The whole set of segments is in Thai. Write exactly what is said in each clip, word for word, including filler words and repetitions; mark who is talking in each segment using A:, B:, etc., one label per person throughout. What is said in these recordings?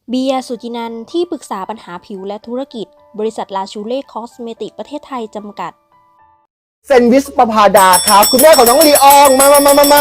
A: เบียร์ สุจินันท์ที่ปรึกษาปัญหาผิวและธุรกิจบริษัทลาชูเล่คอสเมติกประเทศไทยจำกัด
B: เซนวิสประภาดาครับคุณแม่ของน้องลีอองมามามามามา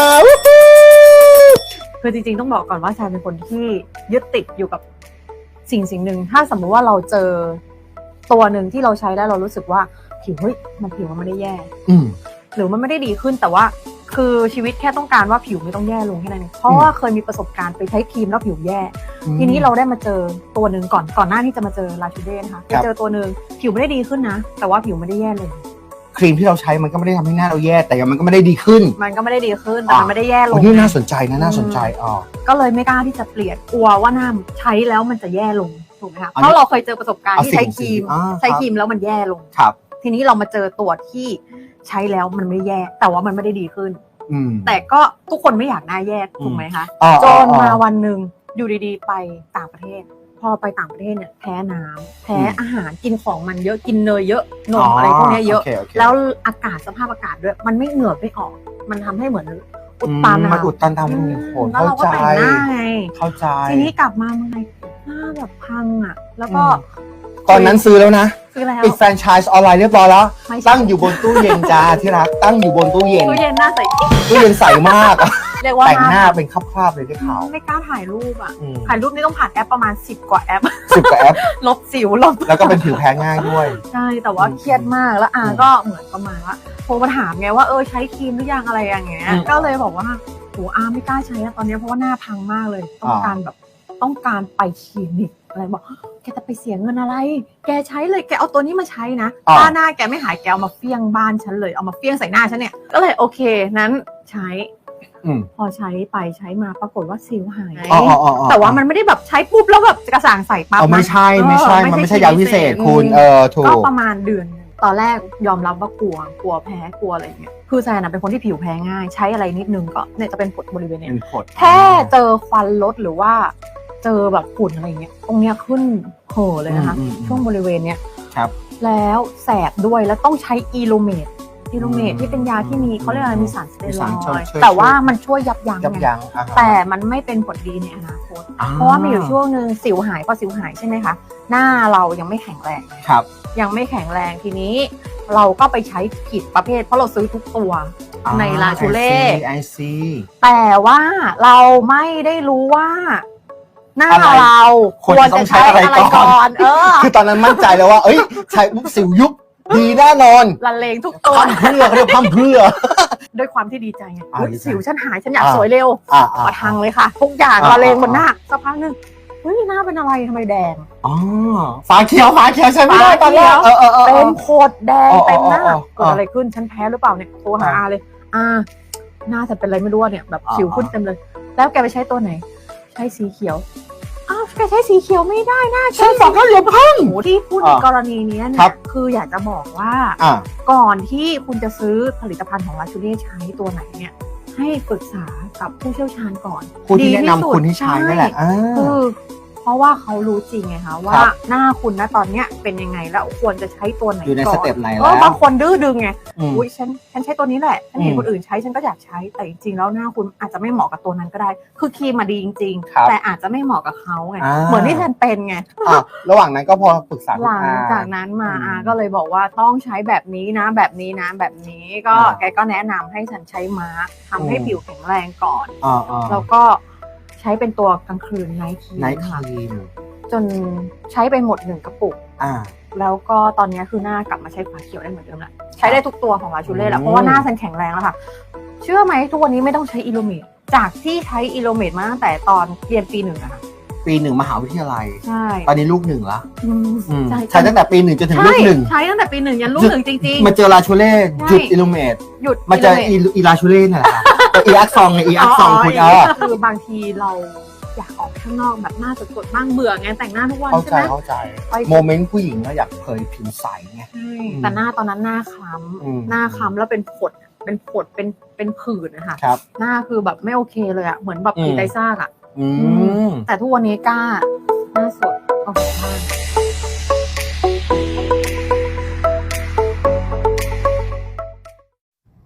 C: คือจริงๆต้องบอกก่อนว่าชายเป็นคนที่ยึดติดอยู่กับสิ่งสิ่งหนึ่งถ้าสมมติว่าเราเจอตัวหนึ่งที่เราใช้แล้วเรารู้สึกว่าผิวเฮ้ยมันผิวมันไม่ได้แย่หรือมันไม่ได้ดีขึ้นแต่ว่าคือชีวิตแค่ต้องการว่าผิวไม่ต้องแย่ลงแค่นั้นเองเพราะว่าเคยมีประสบการณ์ไปใช้ครีมแล้วผิวแย่ทีนี้เราได้มาเจอตัวหนึ่งก่อนก่อนหน้าที่จะมาเจอลาชูเล่นะคะไปเจอตัวหนึ่งผิวไม่ได้ดีขึ้นนะแต่ว่าผิวไม่ได้แย่เลย
B: ครีมที่เราใช้มันก็ไม่ได้ทำให้หน้าเราแย่แต่มันก็ไม่ได้ดีขึ้น
C: มันก็ไม่ได้ดีขึ้นแต่มันไม่ได้แย่ลง
B: นี่น่าสนใจนะน่าสนใจอ๋อ
C: ก็เลยไม่กล้าที่จะเปลี่ยนกลัวว่าหน้าใช้แล้วมันจะแย่ลงถูกไหมคะเพราะเราเคยเจอประสบการณ์ที่ใช้ครีมใช้ครีมแล้วมันแย่ลง
B: ครับ
C: ทีนี้เรามาเจอตัวที่ใช้แล้วมันไม่แย่แต่ว่ามันไม่ได้ดีขึ้นแต่ก็ทุกคนไม่อยากหน้าแย่ถูกไหมคะจนมาวันหนึ่งอยู่ดีๆไปต่างประเทศพอไปต่างประเทศเนี่ยแพ้น้ำแพ้อาหารกินของมันเยอะกินเนยเยอะนมอะไรพวกนี้เยอะแล้วอากาศสภาพอากาศด้วยมันไม่เหงื่อไม่ออกมันทำให้เหมือนอุดตัน
B: มันอุดตันทำโห
C: แล้วเราก็แต่งหน้าไง
B: เข้าใจ
C: ทีนี้กลับมาเมืองไทยหน้าแบบพังอ่ะแล้วก็
B: ตอนนั้นซื้อแล้วนะ
C: ซื้อแล้ว
B: ปิดแฟรนไชส์ออนไลน์เรียบร้อยแล้วตั้งอยู่บนตู้เย็นจ้าที่รักตั้งอยู่บนตู้เย็น
C: ตู้เย็นหน้าใส
B: ตู้เย็นใสมาก
C: เรียกว่า
B: แต่งหน้าเป็นคราบๆเลยได้ข่าว
C: ไม่กล้าถ่ายรูปอ่ะถ่ายรูปนี่ต้องผ่านแอปประมาณสิบกว่าแอป
B: สิบกว่าแอป
C: ลบสิวลบ
B: แล้วก็เป็นผิวแพ้ง่ายด้วย
C: ใช่แต่ว่าเครียดมากแล้วอาก็เหมือนประมาณว่าโทรมาถามไงว่าเออใช้ครีมหรือยังอะไรอย่างเงี้ยก็เลยบอกว่าโหอาไม่กล้าใช้ตอนนี้เพราะว่าหน้าพังมากเลยต้องการแบบต้องการไปคลินิกอะไรบอกแกจะไปเสียเงินอะไรแกใช้เลยแกเอาตัวนี้มาใช้นะถ้าหน้าแกไม่หายแกเอามาเฟี้ยงบ้านฉันเลยเอามาเฟี้ยงใส่หน้าฉันเนี่ยก็เลยโอเคนั้นใช้พอใช้ไปใช้มาปรากฏว่าสิวหายแต่ว่ามันไม่ได้แบบใช้ปุ๊บแล้วแบบกระสางใส่ปั๊บ
B: ไม่ใช่ไม่ใช่มันไม่ใช่ยาพิเศษคุณเออถูก
C: ก็ประมาณเดือนตอนแรกยอมรับว่ากลัวกลัวแพ้กลัวอะไรเงี้ยคือแซนเป็นคนที่ผิวแพ้ง่ายใช้อะไรนิดนึงก็เนี่ยจะเป็นผดบริเวณเนี้ยแค่เจอควันรถหรือว่าเจอแบบฝุ่นอะไรเงี้ยตรงเนี้ยขึ้นโผล่เลยนะคะช่วงบริเวณเนี้ย
B: ครับ
C: แล้วแสบด้วยแล้วต้องใช้อีโลเมดอีโลเมดที่เป็นยาที่มีเขาเรียกอะไรมีสารสเตียรอยด์แต่ว่ามันช่วยยับยั้งแต่มันไม่เป็นผลดีในอนาคตเพราะว่ามีอยู่ช่วงนึงสิวหายพอสิวหายใช่ไหมคะหน้าเรายังไม่แข็งแรง
B: ครับ
C: ยังไม่แข็งแรงทีนี้เราก็ไปใช้ผิดประเภทเพราะเราซื้อทุกตัวในลาชูเล่แต่ว่าเราไม่ได้รู้ว่าหน้าเรา
B: ควรจะใช้อะไรก่อนเออคือตอนนั้นมั่นใจแล้วว่าเอ้ยใช้ปุ๊บสิวยุบดีแน่นอน
C: ละเลงทุกตัว
B: พัมเพื่อเรียกพัมเพื่อ
C: ด้วยความที่ดีใจไงสิวฉันหายฉันอยากสวยเร็วมาทางเลยค่ะทุกอย่างละเลงบนหน้าสักพักนึงเฮ้ยหน้าเป็นอะไรทำไมแดง
B: อ๋อฟ้าเขียวฟ้าเขียวใช่ไหม
C: ตอนแรกเป็นโคตรแดงเต็มหน้าเกิดอะไรขึ้นฉันแพ้หรือเปล่าเนี่ยโทรหาอาเลยอาหน้าจะเป็นอะไรไม่รู้เนี่ยแบบสิวขึ้นเต็มเลยแล้วแกไปใช้ตัวไหนใช้สีเขียวอ้าวแกใช้สีเขียวไม่ได้นะ
B: ใช่ฝักก็เหลือพัง
C: ที่พูดในกรณีนี้เนี่ยคืออยากจะบอกว่าก่อนที่คุณจะซื้อผลิตภัณฑ์ของลาชูเล่ใช้ตัวไหนเนี่ยให้ปรึกษากับผู้เชี่ยวชาญก่อน
B: ผู้ที่แนะนำคุณที่ใช้นั่นแหละ
C: คือเพราะว่าเขารู้จริงไงคะว่าหน้าคุณนะตอนเนี้ยเป็นยังไงแล้วควรจะใช้ตัวไหนก่อน
B: อยู่ในสเต็ปไหนแล้ว
C: บางคนดื้อดึงไงอุ้ยฉันฉันใช้ตัวนี้แหละฉันเห็นคนอื่นใช้ฉันก็อยากใช้แต่จริงๆแล้วหน้าคุณอาจจะไม่เหมาะกับตัวนั้นก็ได้คือครีมมาดีจริงๆแต่อาจจะไม่เหมาะกับเขาไงเหมือนที่ฉันเป็นไง
B: ระหว่างนั้นก็พอปรึกษา
C: หลังจากนั้นมาอาก็เลยบอกว่าต้องใช้แบบนี้นะแบบนี้นะแบบนี้ก็แกก็แนะนำให้ฉันใช้มาร์คทำให้ผิวแข็งแรงก่อนแล้วก็ใช้เป็นตัวกลางคืนไนท์ครีม
B: ไนท์ครีม
C: จนใช้ไปหมดหนึ่งกระปุกแล้วก็ตอนนี้คือหน้ากลับมาใช้ฝาเขียวได้เหมือนเดิมแล้วใช้ได้ทุกตัวของลาชูเล่แล้วเพราะว่าหน้าฉันแข็งแรงแล้วค่ะเชื่อไหมทุกวันนี้ไม่ต้องใช้อีโลเมดจากที่ใช้อีโลเมดมาตั้งแต่ตอนเรียนปีหนึ่งอะค่ะ
B: ปีหนึ่งมหาวิทยาลัย
C: ใช่
B: ตอนนี้ลูกหนึ่งละใช้ตั้งแต่ปีหนึ่งจนถึงลูกหนึ่ง
C: ใช้ตั้งแต่ปีหนึ่งยันลูกหนึ่งจริง
B: ๆมาเจอลาชูเล่หยุดอีโลเมด
C: หยุด
B: มาเจออีลาชูเล่นี่แหละอีอักซองไงอีอักซองคุณเออ
C: คือบางทีเราอยากออกข้างนอกแบบหน้าสดๆบ้างเบื่อไงแต่งหน้าทุกวัน
B: ใช่ไหมเข้าใจโมเมนต์ผู้หญิงก็อยากเผยผิวใสไง
C: แต่หน้าตอนนั้นหน้าคล้ำหน้าคล้ำแล้วเป็นผดเป็นผดเป็นเป็นผื่นนะคะหน้าคือแบบไม่โอเคเลยอะเหมือนแบบผีไตซากอะแต่ทุกวันนี้กล้าหน้าสดออกมา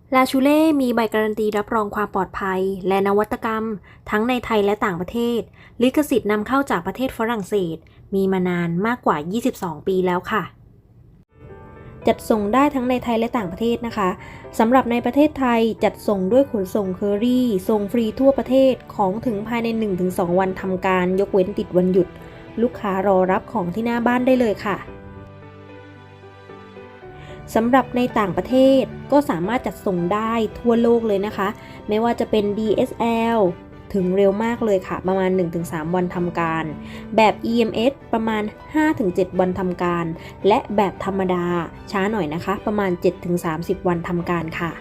A: ลาชูเล่มีใบการันตีรับรองความปลอดภัยและนวัตกรรมทั้งในไทยและต่างประเทศลิขสิทธิ์นำเข้าจากประเทศฝรั่งเศสมีมานานมากกว่ายี่สิบสองปีแล้วค่ะจัดส่งได้ทั้งในไทยและต่างประเทศนะคะสำหรับในประเทศไทยจัดส่งด้วยขนส่งเคอรี่ส่งฟรีทั่วประเทศของถึงภายใน หนึ่งถึงสอง วันทำการยกเว้นติดวันหยุดลูกค้ารอรับของที่หน้าบ้านได้เลยค่ะสำหรับในต่างประเทศก็สามารถจัดส่งได้ทั่วโลกเลยนะคะไม่ว่าจะเป็น ดี เอส แอล ถึงเร็วมากเลยค่ะประมาณ หนึ่งถึงสาม วันทำการแบบ อี เอ็ม เอส ประมาณ ห้าถึงเจ็ด วันทำการและแบบธรรมดาช้าหน่อยนะคะประมาณ เจ็ดถึงสามสิบ วันทำการค่ะ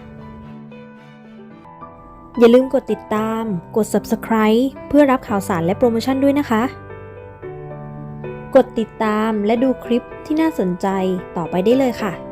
A: อย่าลืมกดติดตามกด ซับสไครบ์ เพื่อรับข่าวสารและโปรโมชั่นด้วยนะคะกดติดตามและดูคลิปที่น่าสนใจต่อไปได้เลยค่ะ